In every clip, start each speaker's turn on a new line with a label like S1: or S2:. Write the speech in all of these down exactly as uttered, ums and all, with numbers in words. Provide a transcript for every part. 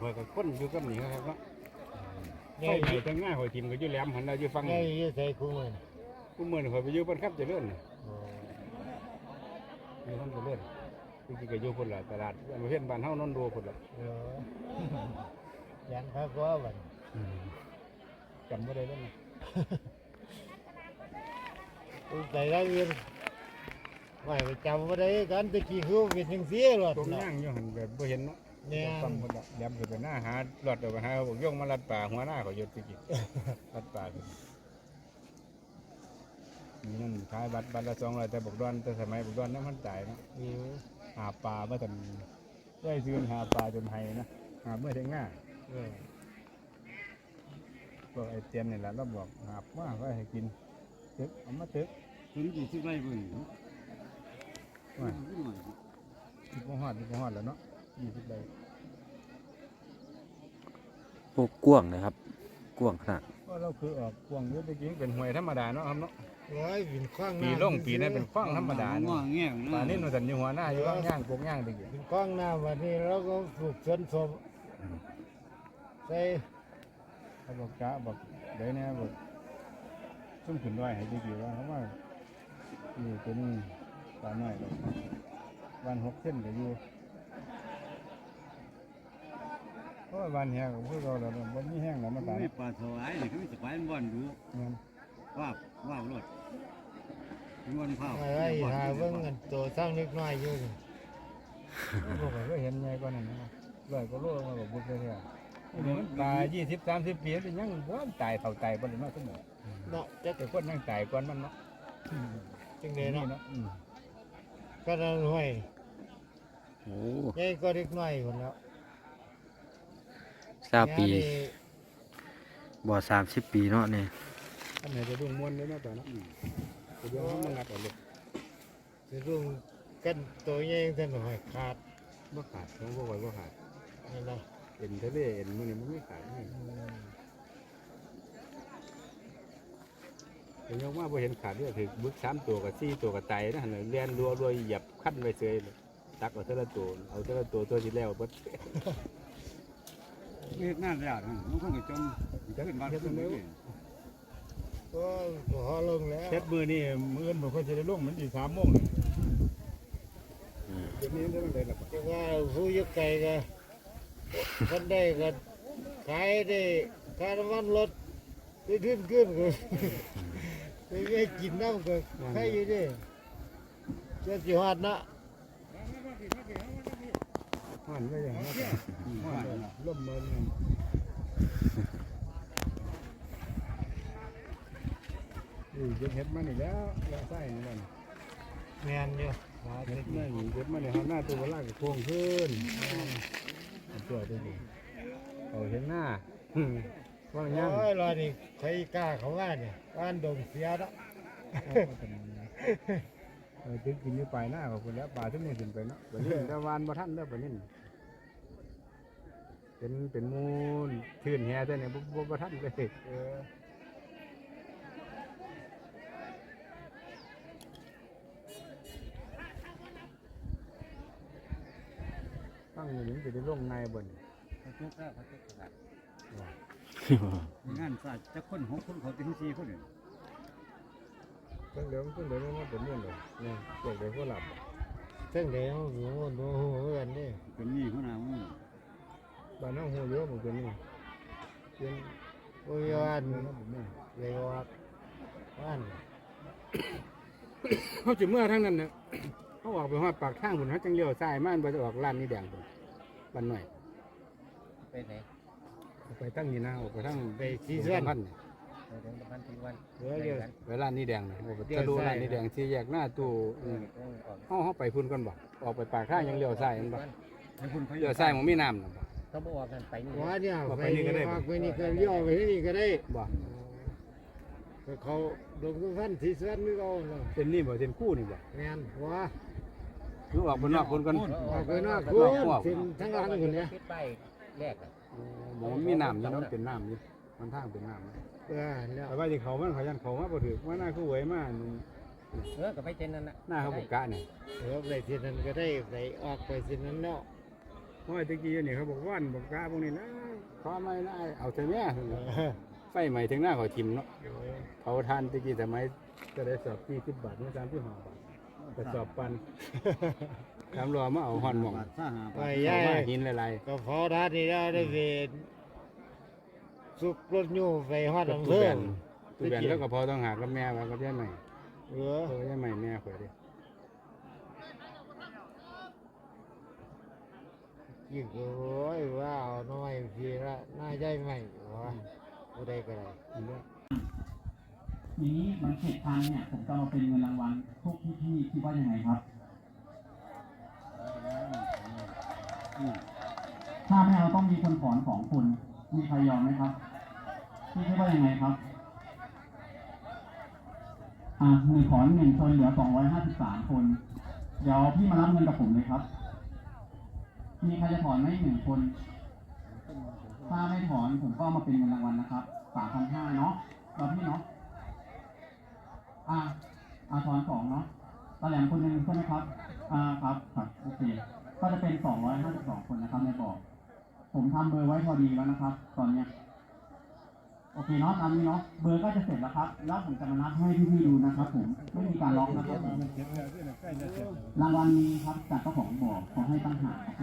S1: อยกับคนอยู่กับนี่ครับเนาะไฟไหม้ทั้งง่ายหอยทิมก็อยู่แหลมหันเราอยู่ฟัง
S2: ไงยี่ใส่คู่มือ
S1: กูเมื่อหอยไปอยู่บนขับเจริญอยู่ทำเจริญจริงๆก็อยู่คนละตลาดมาเห็นบ้านเฮานอนดูคนละ
S2: เออยันพักว่าวัน
S1: จำไม่ได้แล้วนะ
S2: ใส่ได้เงินไม่ไปจำว่าได้กันตะกี้คือเป็นยังเสียหรอ
S1: ตรงย่างอยู่หันแบบบ่เห็นเนาะ
S2: เนี่ย
S1: ฟังคนละแหลมคือไปหน้าหาหลอดออกไปหาบอกย่องมาลัดป่าหัวหน้าเขาหยุดตะกี้ลัดป่ามีนั่นขายบัตรบัตรละสองร้อยแต่บอกดอนแต่สมัยบอกดอนนั้นมันจ่ายเนาะหาปลาเมื่อตอนได้ซื้อหาปลาจนไห้นะหาเมื่อเทง่าก็ไอเตียนนี่แหละเราบอกหาว่าก็ให้กินตึกเอามาตึก
S3: ถึงยี่สิบไร่บ่อยู่
S1: ว่าสิบหอดสิบหอดแล้วเนาะยี่สิบใบ
S4: โอ้กว้างนะครับกว้างขนาด
S1: ก็เราคือออกกวางเยอะจริงเป็นหวยธรรมดาเนาะครับเนาะ
S2: ร้อยบินคว้าง
S1: ปีล่งปีนั้นเป็นคว้างธรรมดา
S3: ง่
S1: เนาะ
S3: วงแง่นะ
S1: ป่านี้หนูสันอยู่หัวหน้าอยู่ว่างย่างปกย่างตะกี้
S2: บินคว้างหน้าวันนี้เราก็ปลูกสวนสมใส่
S1: เขาบอกกะบอกเดี๋ยวนี้บอกซุ่มขึ้นด้วยให้ดีๆว่าเขาว่าอยู่ตัวนี้ปลาน้อยเลยวันหกเส้นก็อยู่เพราะว่าวันแห้งของพวกเราเราวันนี้แห้งแล้วมาตาย
S3: ไม่ปลาสวายนี่คือสวายมันบ่อนดู
S1: เงิน
S3: ว่าว่าวรถม่วนเผา
S2: ไอ้ไอ้หาเบิ่งกันตัวสร้างเล็กน้อยอยู่
S1: พวกเราก็เห็นไงก่อนนั่นนะร้อยก็โลมาบอกบุกเลยเนี่ยนี่มันปลายี่สิบสามสิบปีเป็นยังว่าตายเท่าตายบนนั้นเสมอ
S2: เนาะจะ
S1: แต่คนยังตายก่อนมันเนาะ
S2: จังเลยเนาะ
S1: เนาะ
S2: ก็นั่นห้วย
S4: โอ้
S2: ใหญ่ก็เล็กน้อยคนแล้ว
S4: สามปีบ่สามสิบปีเนาะนี่
S1: อันไหนจะดุ้งม้วนเลยเนาะตอนนั้นเดี๋ยวเขามางัดเอาเลย
S2: จะรุ่งกันตัวใหญ่ท่านห้อยขาด
S1: บ่ขาดของพวกไว้บ่ขาด
S2: นี่นะ
S1: เอ็นทะเลเอ็นมันนี่มันไม่ขาดนี่เห็นยังว่าบ่เห็นขาดด้วยถือบึกสามตัวกับสี่ตัวกับไตนะหั่นน่ะเลียนรัวรัวเหยียบขั้นไว้เสยเลยตักเอาเท่าละตัวเอาเท่าละตัวตัวที่แล้วเบิด
S3: เฮ็ดนั่นแล้วมันคงจะจมขึ้นบ้านขึ้นเมือง
S2: ก็พอลงแล้ว
S1: เช็ดมือนี่มืออื่นบ่ค่อยจะได้ลงมันอีกสามโมงเลย
S4: อืม
S1: เดี๋ยวนี้ได้ได้ละ
S2: จะว่าผู้ยุกไก่ก็คนได้ก็ขายได้ค่าน้ำมันรถได้ขึ้นขึ้นก็ได้กินน้ำก็ใครอยู่ดิเจ้าจิฮอดนะ
S1: ผ่านก็อย่างนั้นผ่านล่มมันนี่เก็บเห็ดมานี่แล้วแล้วใส่นี่นั่น
S2: แมนอยู่หา
S1: เห็
S2: เด็
S1: ด
S2: ก
S1: มานี่เก็บมานี่หาหน้าตัวเวลาก็โค้งขึ้นตัวตัวนี้เอาเห็นหน้าว่างยัง
S2: โอ้ยรอนี่ใครกล้าเขาว่าเนี่ยบ้านดงเสียแล้ว
S1: เออถึงกินอยู่ปลายหน้าของคุณแล้วปลาทุกนี่ขึ้นไปเนาะวันนี้ตะวันบ่ทันแล้ววันนี้เป็นเป็นมูลทื่นแห่แต่เนี่ยบ่บ่บ่ทันเลยเออตั้งอยู่นี่จะได้ลงในบน
S3: เขาจุกแล้วเขาจุกแล้วงานศาสตร์จะคนหกคนเขาถึงสี่คนนี่
S1: ตั้งเดี๋ยวตั้งเดี๋ยวมันเป็นเรื่องเลยเนี่ยเกิดเดี๋ยวก็หลับ
S2: ซึ่งเดี๋ยวหูดูหูกันนี่
S3: เป็นนี่หัวหน้ามึง
S1: บ้านน้องหัวเยอะเหมือนกันนี่เป็น
S2: โอ้ยวัน
S1: เงินแบบนี้
S2: เลยว่าบ้าน
S1: เขาจะเมื่อทั้งนั้นเนี่ยเขาออกไปหอดปากทางคนเขาจังเลี้ยวซ้ายมามันไปจะออกร้านนี้แดงคนบ้านหน่อย
S3: ไปไหน
S1: ไปตั้งนี่นะออกไปทั้ง
S2: ไปที่เส้น
S1: พัน
S3: ไปถึงประมาณที่วัน
S2: เดี๋ยวเดี๋ยว
S1: ไปร้านนี้แดงนะออกไปจะดูร้านนี้แดงที่แยกหน้าตู้เขาเขาไปพุ่นกันบ่ออกไปปากทางยังเลี้ยวซ้ายมันบ่
S3: ให้คุณเขา
S1: เลี้ยวซ้ายมันมีน้ำนะบ่
S3: เขาบอกกันไปนี่
S2: ว่าเนี่ย
S1: บอก
S2: ไป
S1: ไปนี่
S2: นี่
S1: ก็ได้
S2: ออกไปนี่ก็เลี้ยวไปนี่ก็ได้
S1: บ่
S2: ก็เขาดงทุกท่านที่เส้นนี่ก็เนาะ
S1: เป็นนี่บ่เป็นคู่นี่บ่
S2: แมนว่า
S1: คือออกไปนอกคนกัน
S2: ออกไปนอกคุณถึงทั้งร้านคนเนี้ย
S3: คิดไปแรกอ่ะ
S1: หมอมีน้ำอยู่เนาะเป็นน้ำอยู่มันทางเป็นน้ำ
S2: เออแล้ว
S1: แต่ว่าที่เขามันเขายันเขามาบ่ถือว่าหน้าคือหวยมาก
S3: เออก็ไปเจนนั่นน่ะ
S1: หน้าเขาบุกกะเนี่ย
S2: เออไปที่นั้นก็ได้ไปออกไปที่นั้นเนาะ
S1: เเพราะว่าตะกี้นี่เขาบอกว่านบอกกาพวกนี้นะขอไม่นะเอาเถอะแม่ไฟใหม่ถึงหน้าขอทิมเนาะเผาทานตะกี้สมัยก็ได้สอบที่สิบบาทเมื่อสามที่ห้าบาทก็สอบปันทำรอมาเอาหอนหม่อง
S3: บาทซ่าหา
S2: ไป
S3: บาท
S2: ย่า
S1: เอามาย หินหลาย
S2: ก็พอทัดนี่ได้ได้เวรสุกรถยูไปฮอด
S1: ๆ
S2: อำ
S1: ตู้
S2: เภ
S1: แบ
S2: อน
S1: ตู้แบนแล้วก็พอต้องหากับแม่ว่ากับยายใหม่
S2: เออ
S1: เออยายใหม่แม่ข่อยดิ
S2: ยิ่งโอ้ยว้าวน้อยพี่ละน่าใจใหม่วะผู้ใดก็ได้
S1: อันเนี้ย
S5: ทีนี้มันเสร็จทันเนี่ยผมจะมาเป็นเงินรางวัลพวกพี่ๆคิดว่ายังไงครับ ถ้าไม่เอาต้องมีคนถอนของคุณมีใครยอมไหมครับพี่คิดว่ายังไงครับอ่าหนึ่งถอนหนึ่งคนเหลือสองร้อยห้าสิบสามคนเดี๋ยวพี่มารับเงินกับผมเลยครับมีใครจะถอนไหมหนึ่งคนถ้าไม่ถอนผมก็เอามาเป็นเงินรางวัลนะครับสามพันห้าเนาะเราพี่เนาะ อ่าอาทอนสองเนาะตาแหลมคนหนึ่งใช่ไหมครับ อ่า ครับ ครับ โอเค ก็จะเป็นสองร้อยห้าสิบสองคนนะครับในบอก ผมทำเบอร์ไว้พอดีแล้วนะครับ ตอนเนี้ย โอเคเนาะตามนี้เนาะ เบอร์ก็จะเสร็จแล้วครับ แล้วผมจะมานับให้พี่ๆดูนะครับผม ไม่มีการล็อกนะครับผม
S1: มันเก็บแล้วที่ไหนใกล้จะเสร็จแล้ว
S5: รางวัลนี้ครับจากเจ้าของบอกขอให้ตั้งหากครับผม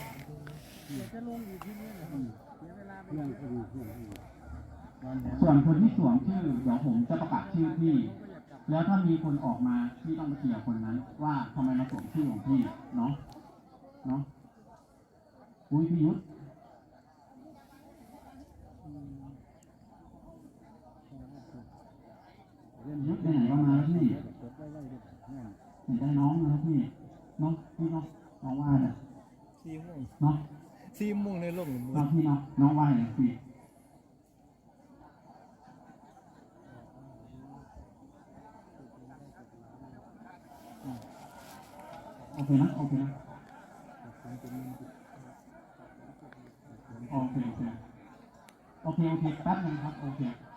S1: เรื่องก็ดีเรื่องก็ดีนอนแหง
S5: ส่วนคนที่สวมชื่อเดี๋ยวผมจะประกาศชื่อพี่ แล้วถ้ามีคนออกมาพี่ต้องไปเคลียร์คนนั้น ว่าทำไมมาสวมชื่อของพี่เนาะเนาะอุ้ยพี่ยุทธยุทธไปไหนก็มาแล้วพี่เห็นได้น้องนะพี่น้องพี่น้องน้องว่าเนี่ย
S2: สี่โมง
S5: เนาะ
S2: สี่โมงในโลกหนึ่ง
S5: น้องพี่น้องน้องว่าเนี่ยพี่โอเคนะโอเคนะโอเคโอเคโอเคโอเคแป๊บนึงครับโอเค